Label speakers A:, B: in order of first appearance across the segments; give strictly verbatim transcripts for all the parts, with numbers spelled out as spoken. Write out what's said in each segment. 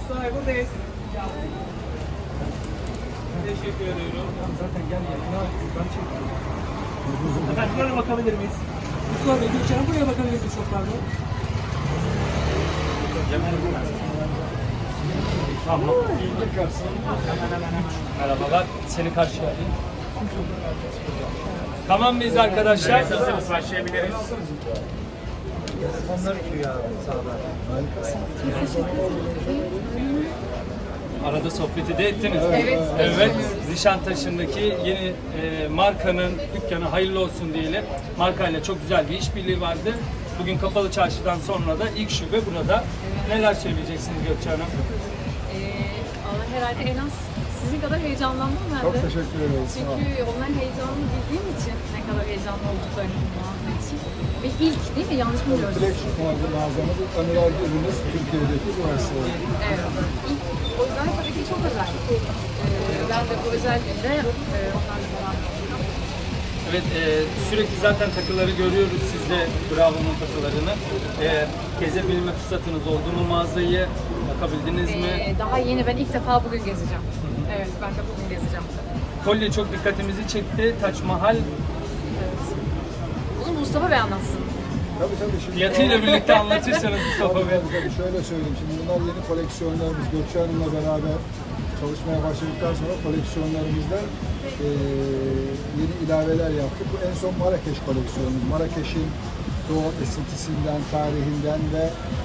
A: Mustafa buradayız. Teşekkür ediyorum.
B: Zaten gel gel. Ben çekiyorum.
A: Efendim buraya bakabilir miyiz?
B: Mustafa Bey, Gökçen'e buraya bakabilir miyiz çok pardon?
A: Tamam. Merhabalar. Seni karşıya alayım. Tamam mıyız arkadaşlar? Hazırız. Başlayabiliriz.
B: Onlar gidiyor abi sağda.
A: Arada sohbeti de ettiniz.
C: Evet.
A: Evet. Nişantaşı'ndaki yeni e, markanın dükkanı hayırlı olsun diyelim. Markayla çok güzel bir işbirliği vardı. Bugün Kapalı Çarşı'dan sonra da ilk şube burada. Neler söyleyeceksiniz Gökçe Hanım?
C: Ee, ama herhalde en az sizin kadar heyecanlandım ben de.
D: Çok teşekkür ederiz. Sağ olun.
C: Çünkü onların heyecanını bildiğim için ne kadar heyecanlı olduklarını bu mağaza için. Ve ilk değil mi? Yanlış mı biliyoruz?
D: Flagship mağazamız önerli ürünümüz Türkiye'deki bu versiyonu.
C: Evet. İlk, o yüzden tabii ki çok özel. Ee, ben de bu özel günde e, onlarla beraber olacağım.
A: Evet, e, sürekli zaten takıları görüyoruz sizde, Bravo'nun takılarını. E, gezebilme fırsatınız oldu mu mağazayı? Bakabildiniz mi?
C: Ee, daha yeni, ben ilk defa bugün gezeceğim. Evet, ben de bugün gezeceğim.
A: Kolye çok dikkatimizi çekti. Taç Mahal
C: Bunu Mustafa Bey anlatsın.
D: Tabii tabii. Şimdi
A: fiyatıyla birlikte anlatırsanız Mustafa
D: Tabii,
A: Bey.
D: tabii, tabii. Şöyle söyleyeyim. Şimdi bunlar yeni koleksiyonlarımız. Gökçe Hanım'la beraber çalışmaya başladıktan sonra koleksiyonlarımızda eee, yeni ilaveler yaptık. Bu en son Marrakeş koleksiyonumuz. Marrakeş'in doğal esintisinden, tarihinden ve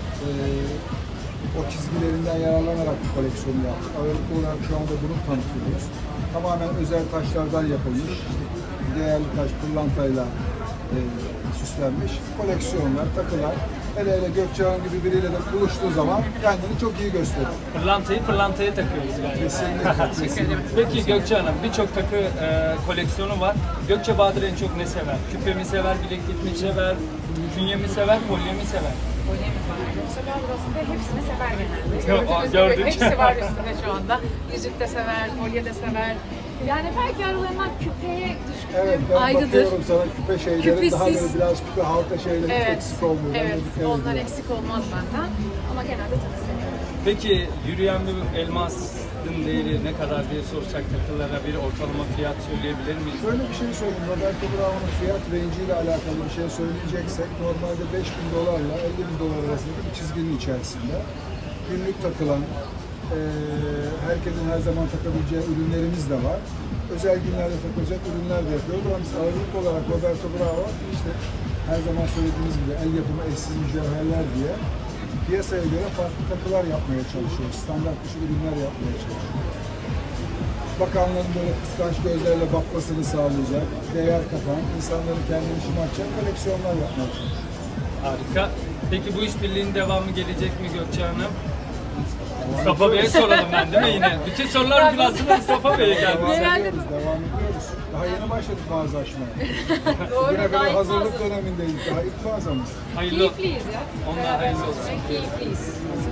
D: eee, o çizgilerinden yararlanarak bu koleksiyonu yaptık. Ağırlıklı olarak şu anda bunu tanıtıyoruz. Tamamen özel taşlardan yapılmış. İşte değerli taş pırlantayla eee süslenmiş koleksiyonlar, takılar. Hele hele Gökçe Hanım gibi biriyle de buluştuğu zaman kendini çok iyi gösterir.
A: Pırlantayı pırlantaya takıyoruz galiba.
D: Kesinlikle, kesinlikle.
A: Peki Gökçe Hanım, birçok takı e, koleksiyonu var. Gökçe Bahadır en çok ne sever? Küpe mi sever, bileklik mi sever, künye mi sever, kolye mi sever?
C: Kolyemiz var. Yoksa burasında hepsini sever genelde.
A: Yok,
C: Gördüğünüz
A: gördük.
C: gibi hepsi var üstünde şu anda. Yüzük de sever, kolye de sever. Yani belki aralarından küpeye düşkünlüğüm
D: Evet, ben
C: ayrıdır.
D: bakıyorum sana küpe şeyleri daha böyle
C: Küpesiz.
D: biraz küpe halka şeyleri hiç
C: Evet,
D: eksik olmuyor. Ben
C: evet.
D: de dikkat
C: Onlar
D: ediyorum.
C: eksik olmaz benden. Ama genelde çok seviyorum.
A: Peki yürüyen bir elmasın değeri ne kadar diye sorsak takılara bir ortalama fiyat söyleyebilir miyiz?
D: Şöyle bir şey söyleyeyim. Roberto Bravo'nun fiyat range ile alakalı bir şey söyleyeceksek normalde beş bin dolarla elli bin dolar arasında bir çizginin içerisinde günlük takılan eee herkesin her zaman takabileceği ürünlerimiz de var. Özel günlerde takılacak ürünler de yapıyoruz. Ama biz ağırlık olarak Roberto Bravo işte her zaman söylediğimiz gibi el yapımı eşsiz mücevherler diye piyasaya göre farklı takılar yapmaya çalışıyoruz. Standart dışı ürünler yapmaya çalışıyoruz. Bakanların böyle kıskanç gözlerle bakmasını sağlayacak, değer katan, insanların kendini şımartacak koleksiyonlar yapmaya çalışıyoruz.
A: Harika. Peki bu işbirliğinin devamı gelecek mi Gökçe Hanım? Mustafa Bey'e soralım ben değil mi yine? Bütün sorular bugün aslında Mustafa Bey'e geldi.
D: Devam
C: Genelde
D: ediyoruz, devam ediyoruz. Daha yeni başladık mağaza açmaya.
C: Doğru,
D: Bugüne
C: daha
D: kadar
C: ilk
D: hazırlık
C: mağaza.
D: dönemindeyiz. Daha ilk mağazamız.
A: Hayırlı olsun.
C: Keyifliyiz ya.
A: Onlar
C: Beraber
A: hayırlı
C: çalışmak
A: olsun.
C: Keyifliyiz.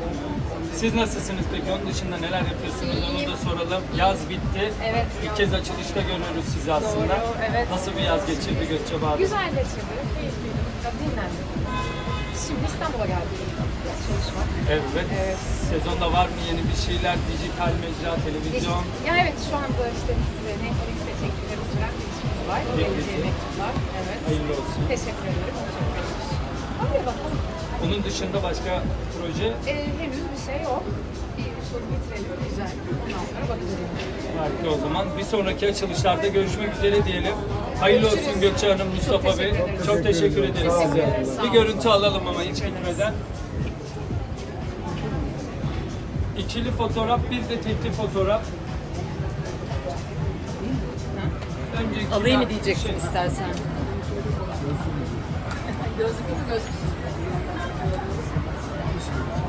A: Siz nasılsınız peki? Onun dışında neler yapıyorsunuz? Onu da soralım. Yaz bitti.
C: Evet.
A: İlk kez açılışta görüyoruz sizi aslında.
C: Doğru, evet.
A: Nasıl bir yaz geçirdi Gökçe Bahadır?
C: Güzel geçirdi, keyifliydi. Dinlendim. Şimdi İstanbul'a geldik. Biraz çalışmak.
A: Evet.
C: Evet.
A: Sezonda var mı yeni bir şeyler? Dijital mecra, televizyon.
C: Ya evet, şu anda işte Netflix'te çektikleri süren bir işimiz var. Geleceğe mektuplar. Evet.
A: Hayırlı olsun.
C: Teşekkür ederim. Çok memnunum. Hadi bakalım.
A: Onun dışında başka proje
C: Ee, henüz bir şey yok. Bir soru bitirelim. Güzel. Ondan sonra bakacağız.
A: harika o zaman. Bir sonraki açılışlarda görüşmek üzere diyelim. Hayırlı olsun Gökçe Hanım, Mustafa Bey.
C: teşekkür ederim.
A: Çok teşekkür ederiz
D: Sağ olun.
A: size.
C: Sağ
A: Bir
C: olun.
A: görüntü alalım ama hiç gitmeden. İkili fotoğraf, bir de tekli fotoğraf. Önce
E: Alayım mı diyeceksin istersen?
C: Gözlüklü mü gözlüksüz?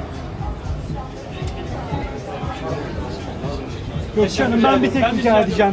B: Gökçe Hanım, ben bir tek rica edeceğim.